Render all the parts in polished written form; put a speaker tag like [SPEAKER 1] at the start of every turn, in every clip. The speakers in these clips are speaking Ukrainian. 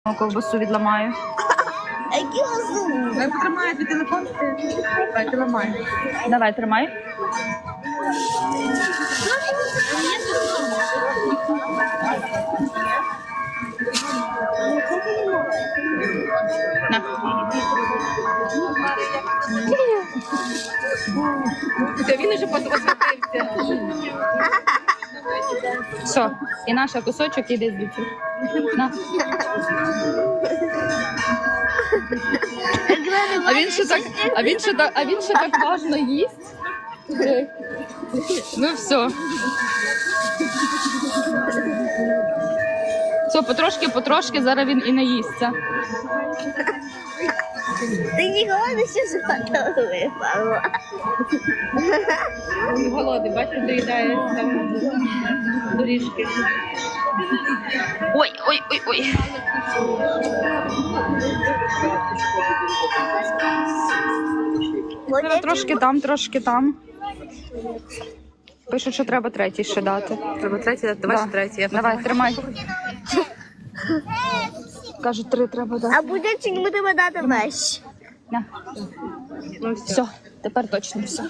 [SPEAKER 1] Ковбасу відламаю.
[SPEAKER 2] Ви потримаєте телефон? Давай, ти ламай.
[SPEAKER 1] Давай, тримай. На.
[SPEAKER 2] Та він уже посвятився.
[SPEAKER 1] Все, і наш кусочок іде звідси. На. А він ще так важно їсть. Ну все. Все, потрошки, зараз він і наїсться.
[SPEAKER 3] Ти ніколи не ще живота випало.
[SPEAKER 2] Голодний, бачиш, доїдає там доріжки.
[SPEAKER 1] Ой. Трошки там. Пишуть, що треба третій ще дати.
[SPEAKER 2] Треба третій, давай ще третій.
[SPEAKER 1] Давай, тримай. Кажуть, 3 треба дати.
[SPEAKER 3] А буде чи не будемо дати вещь?
[SPEAKER 1] На.
[SPEAKER 2] Ну
[SPEAKER 1] Все, тепер точно все.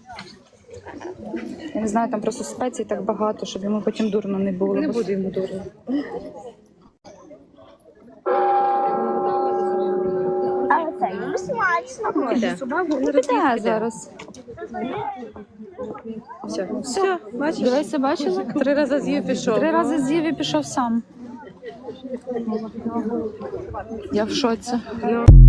[SPEAKER 1] Я не знаю, там просто спецій так багато, щоб йому потім дурно не було.
[SPEAKER 2] Не буде йому дурно.
[SPEAKER 3] А це їм смачно.
[SPEAKER 1] Піде зараз.
[SPEAKER 2] Все, бачиш?
[SPEAKER 1] Дивися, бачила?
[SPEAKER 2] 3 рази з'їв, пішов.
[SPEAKER 1] 3 рази з'їв і пішов сам. Я в шоці.